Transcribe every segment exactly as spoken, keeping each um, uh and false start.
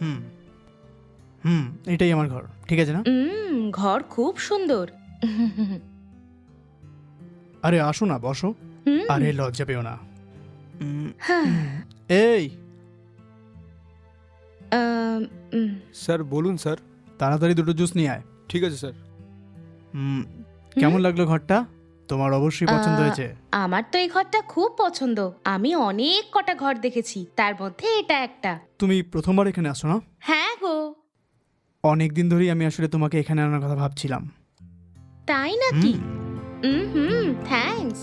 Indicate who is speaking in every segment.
Speaker 1: হুম হুম এটাই আমার ঘর, ঠিক আছে না?
Speaker 2: হুম ঘর খুব সুন্দর।
Speaker 1: আরে আসো না, বসো।
Speaker 2: হুম,
Speaker 1: আরে লজ্জা পেও না। উম,
Speaker 2: হ্যাঁ,
Speaker 1: উম, এই
Speaker 2: আম, উম,
Speaker 3: স্যার বলুন স্যার।
Speaker 1: তাড়াতাড়ি দুটো জুস নিয়ে আয়।
Speaker 3: ঠিক আছে স্যার।
Speaker 1: হুম,
Speaker 2: হুম?
Speaker 1: কেমন লাগলো ঘরটা? তোমার অবশ্যই পছন্দ
Speaker 2: আহ,
Speaker 1: হয়েছে।
Speaker 2: আমার তো এই ঘরটা খুব পছন্দ। আমি অনেক কটা ঘর দেখেছি, তার মধ্যে এটা একটা।
Speaker 1: তুমি প্রথমবার এখানে আসো না?
Speaker 2: হ্যাঁ গো।
Speaker 1: অনেক দিন ধরেই আমি আসলে তোমাকে এখানে আনার কথা ভাবছিলাম।
Speaker 2: তাই নাকি?
Speaker 1: হুম,
Speaker 2: হুম হুম থ্যাঙ্কস।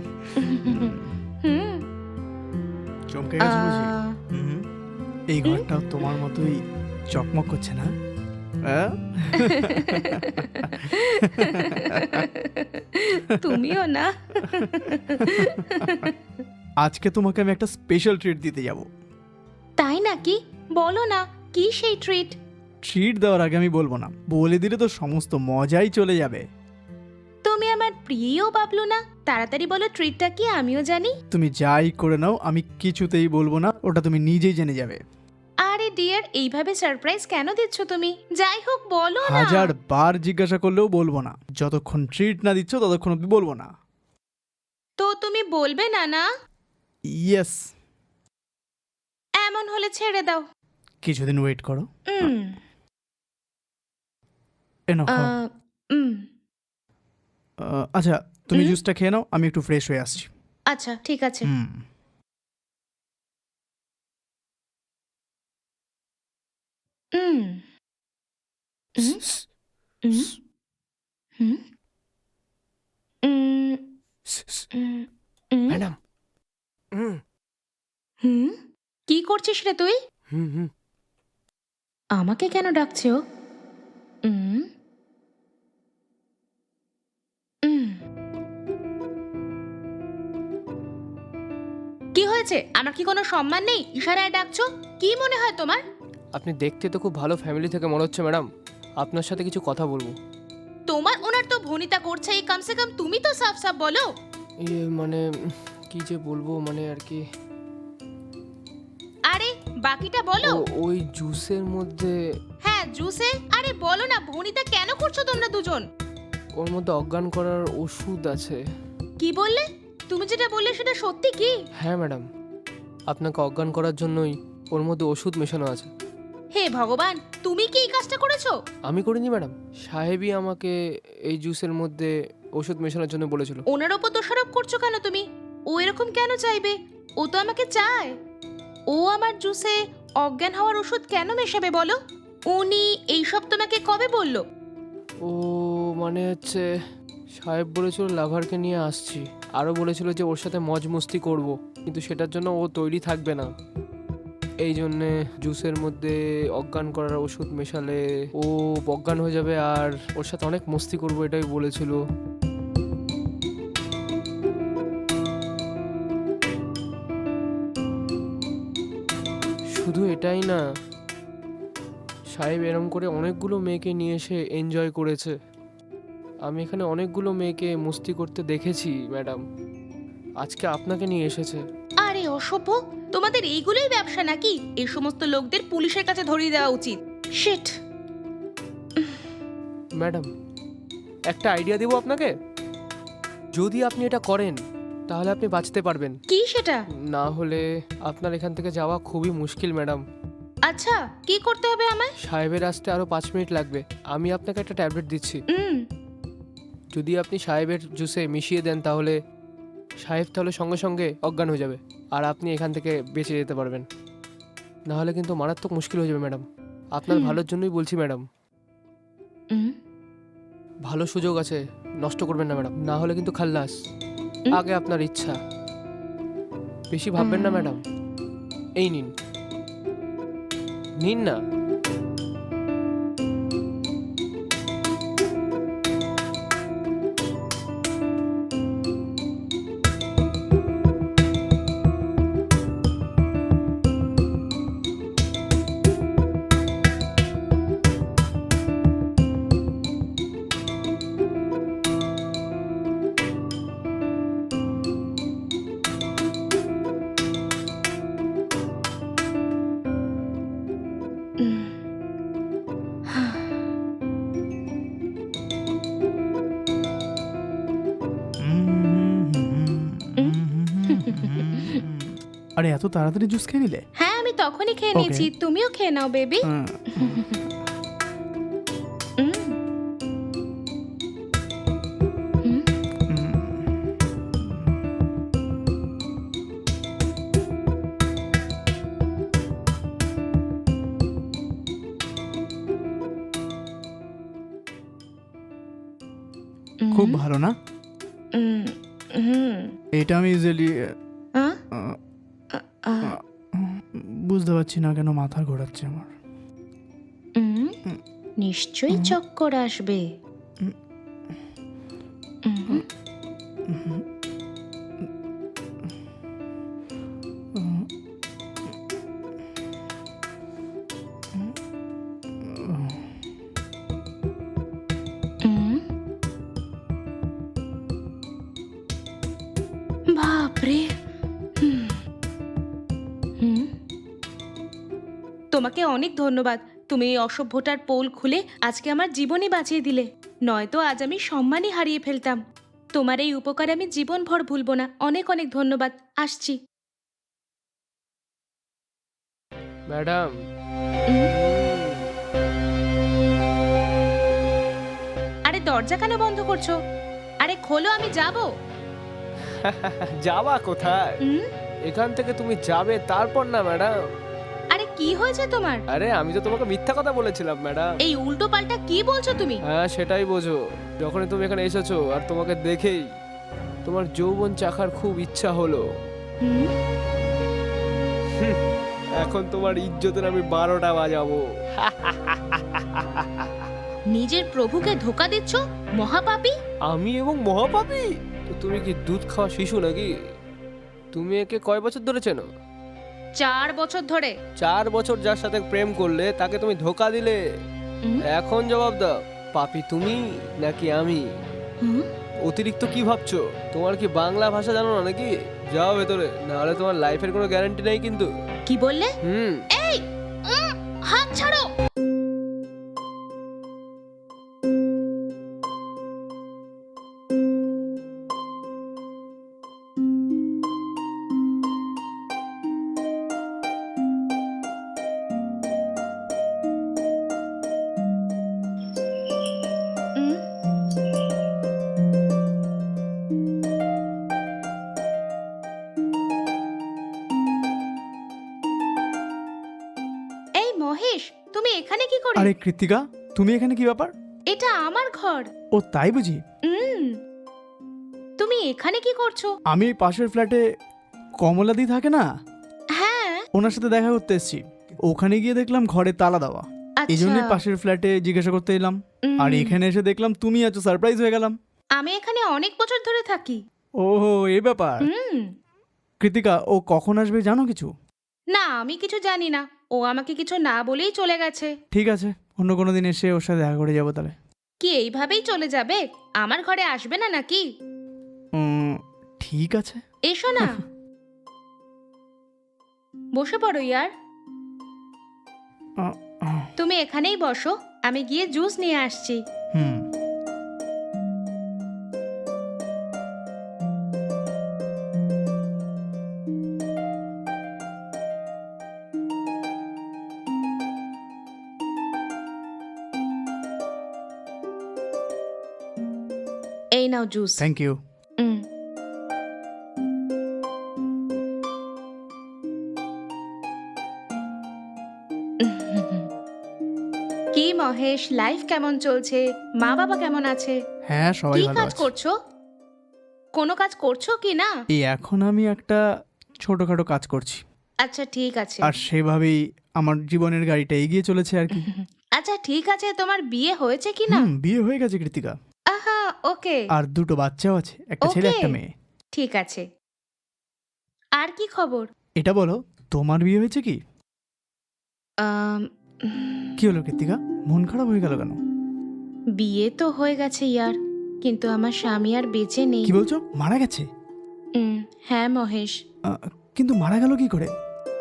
Speaker 2: হুম
Speaker 1: চমকে গেছো বুঝি?
Speaker 2: আহ,
Speaker 1: হুম, এই
Speaker 2: হুম?
Speaker 1: ঘরটাও তোমার মতোই চকমক করছে না? আহ?
Speaker 2: তুমিও না।
Speaker 1: আজকে তোমাকে আমি একটা স্পেশাল ট্রিট দিতে যাব।
Speaker 2: তাই নাকি? বলো না, কি সেই ট্রিট?
Speaker 1: ট্রিট দেওয়ার আগে আমি বলবো না, বলে দিলে তো সমস্ত মজাই চলে যাবে।
Speaker 2: তুমি আমার প্রিয় বাবলু না, তাড়াতাড়ি বলো ট্রিটটা কি, আমিও জানি।
Speaker 1: তুমি যাই করে নাও, আমি কিছুতেই বলবো না, ওটা তুমি নিজেই জেনে যাবে।
Speaker 2: আরে ডিয়ার, এইভাবে সারপ্রাইজ কেন দিচ্ছ তুমি? যাই হোক বলো না।
Speaker 1: হাজার বার জিজ্ঞাসা করলেও বলবো না, যতক্ষণ ট্রিট না দিচ্ছ ততক্ষণ অব্দি বলবো না।
Speaker 2: তো তুমি বলবে না না?
Speaker 1: ইয়েস।
Speaker 2: এমন হলে ছেড়ে দাও।
Speaker 1: কিছুদিন ওয়েট করো।
Speaker 2: উম,
Speaker 1: এনো খাও।
Speaker 2: আহ, উম,
Speaker 1: আহ, আচ্ছা, তুমি
Speaker 2: হুম?
Speaker 1: জুসটা খেয়ে নাও, আমি একটু ফ্রেশ হয়ে আসছি।
Speaker 2: আচ্ছা ঠিক আছে।
Speaker 1: হুম।
Speaker 2: উম, উম, উম, হুম, উম, উম, উম,
Speaker 3: ম্যাডাম। হুম
Speaker 2: হুম? কি করছিস রে তুই?
Speaker 3: হুম হুম
Speaker 2: আমাকে কেন ডাকছে ও? উম, উম। কি হয়েছে? আমার কি কোনো সম্মান নেই? ইশারায় ডাকছো? কি মনে হয় তোমার?
Speaker 3: আপনি দেখতে তো খুব ভালো ফ্যামিলি থেকে মনে হচ্ছে ম্যাডাম। আপনার সাথে কিছু কথা বলবো।
Speaker 2: তোমার ওনার তো ভনিতা করছে, এই কমসে কম তুমি তো সাফ সাফ বলো।
Speaker 3: ইয়ে মানে উম, কি যে বলবো মানে আর কি।
Speaker 2: আরে বাকিটা বলো।
Speaker 3: ও ওই জুসের মধ্যে
Speaker 2: হ্যাঁ জুসে, আরে বলো না, ভনিতা কেন করছো তোমরা দুজন?
Speaker 3: ওর মধ্যে অজ্ঞান করার ওষুধ আছে।
Speaker 2: কি বললে? তুমি যেটা বললে সেটা সত্যি কি?
Speaker 3: হ্যাঁ ম্যাডাম, আপনাকে অজ্ঞান করার জন্যই ওর মধ্যে ওষুধ মেশানো আছে।
Speaker 2: হে ভগবান, তুমি কি এই কাজটা করেছো?
Speaker 3: আমি করিনি ম্যাডাম, সাহেবই আমাকে এই জুসের মধ্যে ওষুধ মেশানোর জন্য বলেছিল।
Speaker 2: ওনার ওপর দোষারোপ করছো কেন তুমি? ও এরকম কেন চাইবে? ও তো আমাকে চায়। ও আমার জুসে অজ্ঞান হওয়ার ওষুধ কেন মেশাবে বলো? উনি এইসব তোমাকে কবে বললো?
Speaker 3: ও মানে হচ্ছে সাহেব বলেছিল লাভারকে নিয়ে আসছি, আরও বলেছিল যে ওর সাথে মজ মস্তি করব, কিন্তু সেটার জন্য ও তৈরি থাকবে না। এই জন্যে জুসের মধ্যে অজ্ঞান করার ওষুধ মেশালে ও অজ্ঞান হয়ে যাবে আর ওর সাথে অনেক মস্তি করব, এটাই বলেছিল। শুধু এটাই না, সাহেব এরম করে অনেকগুলো মেয়েকে নিয়ে এসে এনজয় করেছে। আমি এখানে অনেকগুলো মেয়েকে মস্তি করতে দেখেছি ম্যাডাম, আজকে আপনাকে নিয়ে এসেছে।
Speaker 2: আরে অসভ্য, তোমাদের এইগুলোই ব্যবসা নাকি? এই সমস্ত লোকদের পুলিশের কাছে ধরিয়ে দেওয়া উচিত। শিট।
Speaker 3: ম্যাডাম, একটা আইডিয়া দেবো আপনাকে, যদি আপনি এটা করেন তাহলে আপনি বাঁচতে পারবেন,
Speaker 2: কি সেটা?
Speaker 3: না হলে আপনার এখান থেকে যাওয়া খুবই মুশকিল ম্যাডাম।
Speaker 2: আচ্ছা, কি করতে হবে আমায়?
Speaker 3: সাহেবের আসতে আরও পাঁচ মিনিট লাগবে, আমি আপনাকে একটা ট্যাবলেট দিচ্ছি।
Speaker 2: হুম।
Speaker 3: যদি আপনি সাহেবের জুসে মিশিয়ে দেন তাহলে সাহেব তাহলে সঙ্গে সঙ্গে অজ্ঞান হয়ে যাবে আর আপনি এখান থেকে বেঁচে যেতে পারবেন, না হলে কিন্তু মারাত্মক মুশকিল হয়ে যাবে ম্যাডাম। আপনার
Speaker 2: হুম।
Speaker 3: ভালোর জন্যই বলছি ম্যাডাম,
Speaker 2: হুম।
Speaker 3: ভালো সুযোগ আছে, নষ্ট করবেন না ম্যাডাম, না হলে কিন্তু খাল্লাস।
Speaker 2: হুম।
Speaker 3: আগে আপনার ইচ্ছা, বেশি ভাববেন না ম্যাডাম। এই নিন, নিন না।
Speaker 2: হুম।
Speaker 1: আরে এত তাড়াতাড়ি জুস খেয়ে নিলে?
Speaker 2: হ্যাঁ আমি তখনই খেয়ে
Speaker 1: Okay.
Speaker 2: নিয়েছি, তুমিও খেয়ে নাও বেবি।
Speaker 1: হুম, হুম। খুব ভালো না? এটা আমি ইউজুয়ালি বুঝতে পারছি না কেন মাথা ঘোরাচ্ছে আমার।
Speaker 2: নিশ্চয়ই চক্কর আসবে। উম, উম। বাপরে। হুম। হুম। তোমাকে অনেক ধন্যবাদ, তুমি এই অসভ্যটার পোল খুলে আজকে আমার জীবনই বাঁচিয়ে দিলে, নয়তো আজ আমি সম্মানই হারিয়ে ফেলতাম। তোমার এই উপকার আমি জীবনভর ভুলবো না। অনেক অনেক ধন্যবাদ, আসছি।
Speaker 3: ম্যাডাম,
Speaker 2: উম। আরে দরজা কেন বন্ধ করছো? আরে খোলো, আমি যাবো।
Speaker 3: যাবা কোথায়?
Speaker 2: উম,
Speaker 3: এখান থেকে তুমি যাবে তারপর না ম্যাডাম।
Speaker 2: আরে কি হয়েছে তোমার?
Speaker 3: আরে আমি তো তোমাকে মিথ্যা কথা বলেছিলাম ম্যাডাম।
Speaker 2: এই উল্টো পাল্টা কি বলছো তুমি?
Speaker 3: হ্যাঁ সেটাই বোঝো, যখনই তুমি এখানে এসেছো আর তোমাকে দেখেই তোমার যৌবন চাখার খুব ইচ্ছা হলো।
Speaker 2: হুম?
Speaker 3: এখন তোমার ইজ্জতের আমি বারোটা বাজাবো।
Speaker 2: নিজের প্রভুকে ধোকা দিচ্ছ, মহাপাপী।
Speaker 3: আমি এবং মহাপাপী? তো তুমি কি দুধ খাওয়া শিশু নাকি? তুমি একে কয় বছর ধরে চেনো?
Speaker 2: চার বছর ধরে।
Speaker 3: চার বছর যার সাথে প্রেম করলে তাকে তুমি ধোকা দিলে।
Speaker 2: উম,
Speaker 3: এখন জবাব দাও, পাপী তুমি নাকি আমি?
Speaker 2: হুম?
Speaker 3: অতিরিক্ত কি ভাবছো? তোমার কি বাংলা ভাষা জানো না নাকি? যাও ভেতরে, নাহলে তোমার লাইফের কোনো গ্যারান্টি নেই কিন্তু।
Speaker 2: কি বললে?
Speaker 3: হুম।
Speaker 2: এই উম, হাত ছাড়ো। উম, এই মহেশ, তুমি এখানে কি করে?
Speaker 1: আরে কৃতিকা, তুমি এখানে কি ব্যাপার?
Speaker 2: এটা আমার ঘর।
Speaker 1: ও তাই বুঝি?
Speaker 2: উম, তুমি এখানে কি করছো?
Speaker 1: আমি পাশের ফ্ল্যাটে কমলাদি থাকে না,
Speaker 2: হ্যাঁ।
Speaker 1: ওনার সাথে দেখা করতে এসেছি। ওখানে গিয়ে দেখলাম ঘরে তালা দেওয়া, এই জন্যই
Speaker 2: আচ্ছা।
Speaker 1: পাশের ফ্ল্যাটে জিজ্ঞাসা করতে এলাম।
Speaker 2: উম,
Speaker 1: আর এখানে এসে দেখলাম তুমি আছো, সারপ্রাইজ হয়ে গেলাম।
Speaker 2: আমি এখানে অনেক বছর ধরে থাকি।
Speaker 1: ওহো, এই ব্যাপার।
Speaker 2: হুম।
Speaker 1: কৃতিকা, ও কখন আসবে জানো কিছু?
Speaker 2: না, আমি কিছু জানি না। ও আমাকে কিছু না বলেই চলে গেছে।
Speaker 1: ঠিক আছে, অন্য কোনো দিন এসে ওর সাথে দেখা করে যাবো তাহলে।
Speaker 2: কি এইভাবেই চলে যাবে? আমার ঘরে আসবে না নাকি?
Speaker 1: উম, ঠিক আছে।
Speaker 2: এসো না। বসে পড়ো ইয়ার।
Speaker 1: আহ, আহ,
Speaker 2: তুমি এখানেই বসো, আমি গিয়ে জুস নিয়ে আসছি।
Speaker 1: হুম।
Speaker 2: এই নাও জুস।
Speaker 1: Thank you.
Speaker 2: উম। কি মহেশ, লাইফ কেমন চলছে? মা বাবা কেমন আছে?
Speaker 1: হ্যাঁ, সবাই
Speaker 2: কি
Speaker 1: ভালো
Speaker 2: কাজ
Speaker 1: আছে।
Speaker 2: করছো? কোনো কাজ করছো কি না?
Speaker 1: এই এখন আমি একটা ছোটখাটো কাজ করছি,
Speaker 2: আচ্ছা ঠিক আছে।
Speaker 1: আর সেভাবেই আমার জীবনের গাড়িটা এগিয়ে চলেছে আর কি।
Speaker 2: আচ্ছা ঠিক আছে, তোমার বিয়ে হয়েছে কি না?
Speaker 1: হুম, বিয়ে হয়ে গেছে কৃতিকা,
Speaker 2: আহা, ওকে।
Speaker 1: আর দুটো বাচ্চাও আছে, একটা ছেলে
Speaker 2: ওকে।
Speaker 1: একটা মেয়ে।
Speaker 2: ঠিক আছে। আর কি খবর?
Speaker 1: এটা বলো, তোমার বিয়ে হয়েছে কি?
Speaker 2: আম, উম,
Speaker 1: কি হলো কৃতিকা, মন খারাপ হয়ে গেল কেন?
Speaker 2: বিয়ে তো হয়ে গেছে ইয়ার, কিন্তু আমার স্বামী আর বেঁচে নেই।
Speaker 1: কি বলছো, মারা গেছে?
Speaker 2: উম, হ্যাঁ মহেশ,
Speaker 1: আহ, কিন্তু মারা গেল কি করে?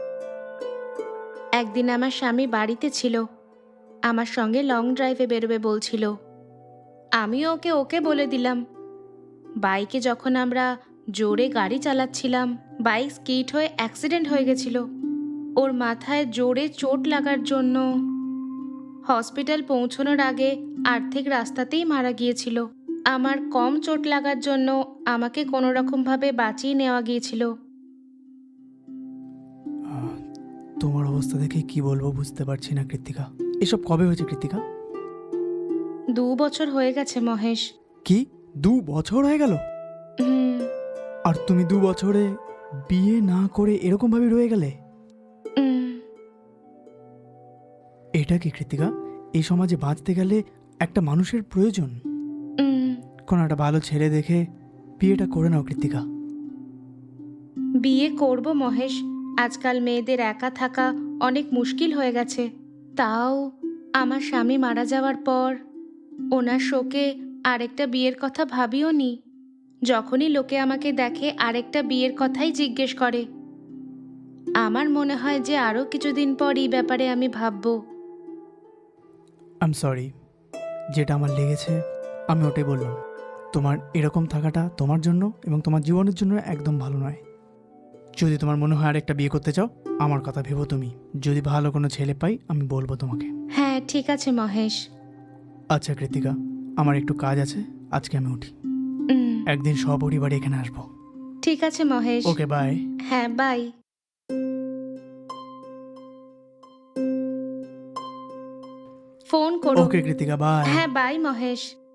Speaker 2: একদিন আমার স্বামী বাড়িতে ছিল, আমার সঙ্গে লং ড্রাইভে বেরোবে বলছিল। আমিও ওকে ওকে বলে দিলাম। বাইকে যখন আমরা জোরে গাড়ি চালাচ্ছিলাম, বাইক স্কিড হয়ে অ্যাক্সিডেন্ট হয়ে গেছিল। ওর মাথায় জোরে চোট লাগার জন্য হসপিটাল পৌঁছানোর আগে আর্ধেক রাস্তাতেই মারা গিয়েছিল। আমার কম চোট লাগার জন্য আমাকে কোনো রকমভাবে বাঁচিয়ে নেওয়া গিয়েছিল।
Speaker 1: আহ, তোমার অবস্থা দেখে কি বলবো বুঝতে পারছি না কৃত্তিকা। এসব কবে হয়েছে কৃত্তিকা?
Speaker 2: দু বছর হয়ে গেছে মহেশ।
Speaker 1: কি দু বছর হয়ে গেল?
Speaker 2: হুম,
Speaker 1: আর তুমি দু বছরে বিয়ে না করে এরকম ভাবে রয়ে গেলে?
Speaker 2: হুম,
Speaker 1: এটা কি কৃত্তিকা? এই সমাজে বাঁচতে গেলে একটা মানুষের প্রয়োজন।
Speaker 2: হুম।
Speaker 1: কোনো একটা ভালো ছেলে দেখে বিয়েটা করে নাও কৃত্তিকা।
Speaker 2: বিয়ে করব মহেশ। আজকাল মেয়েদের একা থাকা অনেক মুশকিল হয়ে গেছে। তাও আমার স্বামী মারা যাওয়ার পর ওনার শোকে আরেকটা বিয়ের কথা ভাবিও নি। যখনই লোকে আমাকে দেখে আরেকটা বিয়ের কথাই জিজ্ঞেস করে। আমার মনে হয় যে আরও কিছুদিন পর এই ব্যাপারে আমি ভাববো।
Speaker 1: আই এম সরি, যেটা আমার লেগেছে আমি ওটাই বললাম। তোমার এরকম থাকাটা তোমার জন্য এবং তোমার জীবনের জন্য একদম ভালো নয়। যদি তোমার মনে হয় আরেকটা বিয়ে করতে চাও, আমার কথা ভেবো তুমি। যদি ভালো কোনো ছেলে পাই আমি বলবো তোমাকে।
Speaker 2: হ্যাঁ, ঠিক আছে মহেশ।
Speaker 1: আচ্ছা কৃতিকা, আমার একটু কাজ আছে, আজকে আমি উঠি।
Speaker 2: উম,
Speaker 1: একদিন সপরিবারে এখানে আসবো।
Speaker 2: ঠিক আছে মহেশ।
Speaker 1: Okay bye.
Speaker 2: হ্যাঁ, বাই। ফোন করো।
Speaker 1: Okay Kritika bye.
Speaker 2: হ্যাঁ, বাই মহেশ।